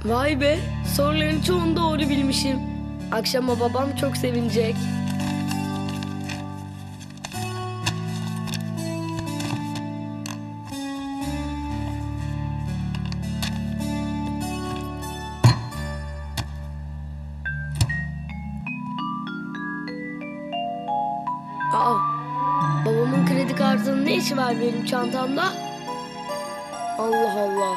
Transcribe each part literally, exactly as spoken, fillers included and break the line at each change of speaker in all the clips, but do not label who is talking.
Vay be, soruların çoğunu doğru bilmişim. Akşama babam çok sevinecek. Aa, babamın kredi kartının ne işi var benim çantamda? Allah Allah.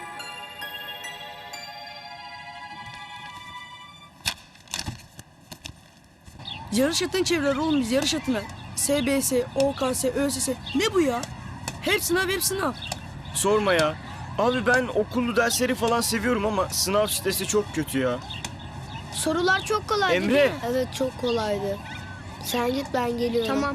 Yarış atın çevreler oğlum biz yarış atına. S B S, O K S, Ö S S. Ne bu ya? Hep sınav hep sınav.
Sorma ya. Abi ben okullu dersleri falan seviyorum ama sınav stresi çok kötü ya.
Sorular çok kolaydı
Emre.
değil mi? Evet, çok kolaydı. Sen git, ben geliyorum.
Tamam.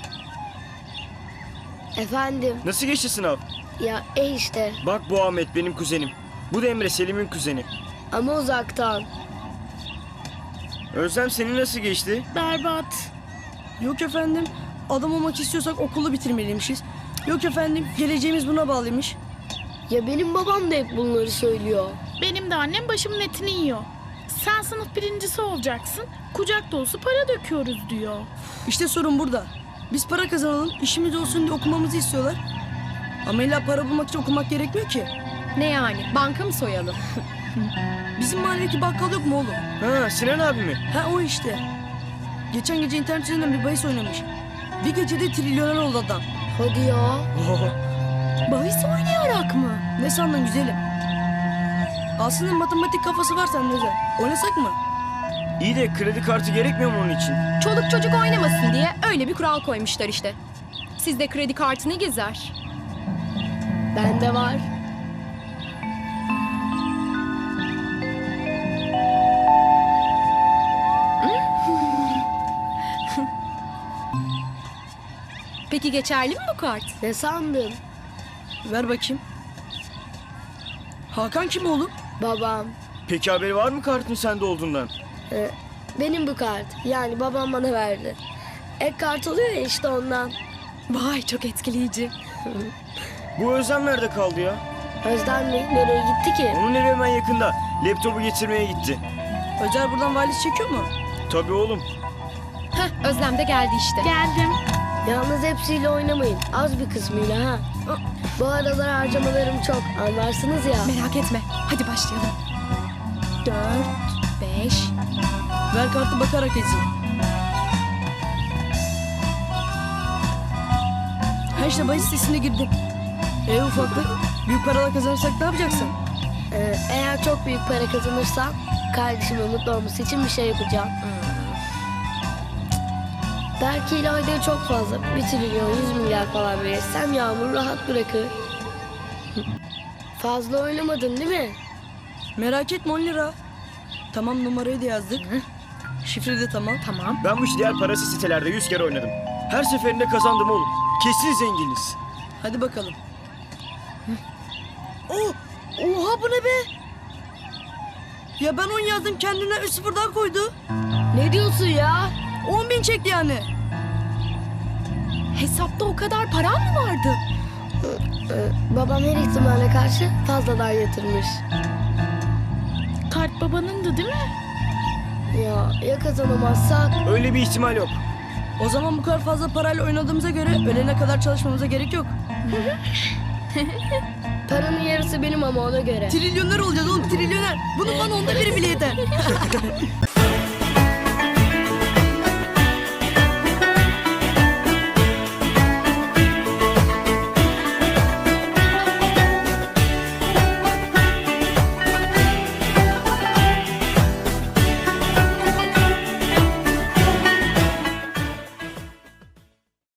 Efendim,
Nasıl geçti sınav?
ya e işte
Bak bu Ahmet benim kuzenim. Bu da Emre Selim'in kuzeni.
ama uzaktan.
Özlem senin nasıl geçti?
Berbat.
Yok efendim adam olmak istiyorsak okulu bitirmeliymişiz. Yok efendim geleceğimiz buna bağlıymış.
Ya benim babam da hep bunları söylüyor.
Benim de annem başımın etini yiyor. Sen sınıf birincisi olacaksın. Kucak dolusu para döküyoruz diyor.
İşte sorun burada. Biz para kazanalım, işimiz olsun diye okumamızı istiyorlar. Ama illa para bulmak için okumak gerekmiyor ki.
Ne yani? Banka mı soyalım?
Bizim mahalledeki bakkal yok mu oğlum?
Ha Sinan abi mi?
Ha o işte. Geçen gece internet üzerinden bir bahis oynamış. Bir gecede trilyoner oldu adam.
Hadi ya.
Bahis oynayarak mı? Ne sandın güzelim? Aslında matematik kafası var sende de. Oynasak mı?
İyi de kredi kartı gerekmiyor mu onun için?
Çoluk çocuk oynamasın diye öyle bir kural koymuşlar işte. Sizde kredi kartı ne gezer?
Bende var.
Peki geçerli mi bu kart?
Ne sandın?
Ver bakayım. Hakan kim oğlum?
Babam.
Peki haberi var mı kartın sende olduğundan?
Ee, benim bu kart. Yani babam bana verdi. Ek kart oluyor ya işte ondan.
Vay çok etkileyici.
Bu Özlem nerede kaldı ya?
Özlem mi? Nereye gitti ki?
Onun evi hemen yakında. Laptopu getirmeye gitti.
Özer buradan valiz çekiyor mu?
Tabii oğlum.
Heh, Özlem de geldi işte.
Geldim.
Yalnız hepsiyle oynamayın. Az bir kısmıyla ha. Bu aralar harcamalarım çok. Anlarsınız ya.
Merak etme. Hadi başlayalım. Dört, beş.
Ver kartı bakarak ezeyim. Ha işte bahis sitesine girdim. E ufaklık, büyük paralar kazanırsak ne yapacaksın?
Ee, eğer çok büyük para kazanırsam kardeşimin mutlu olması için bir şey yapacağım. Belki ileride çok fazla, bir trilyon, yüz milyar falan verirsem Yağmur rahat bırakır. Fazla oynamadın değil mi?
Merak etme on lira. Tamam numarayı da yazdık. Şifre de tamam.
Tamam.
Ben bu işi diğer parası sitelerde yüz kere oynadım. Her seferinde kazandım oğlum. Kesin zenginiz.
Hadi bakalım. Oh, oha bu ne be? Ya ben on yazdım kendinden üç sıfır daha koydu.
Ne diyorsun ya?
on bin çekti yani.
Hesapta o kadar paran mı vardı?
Ee, babam her ihtimale karşı fazladan yatırmış.
Kart babanındı değil mi?
Ya ya kazanamazsak?
Öyle bir ihtimal yok.
O zaman bu kadar fazla parayla oynadığımıza göre ölene kadar çalışmamıza gerek yok.
Paranın yarısı benim ama ona göre.
Trilyoner olacağız oğlum trilyoner. Bunun bana onda biri bile yeter.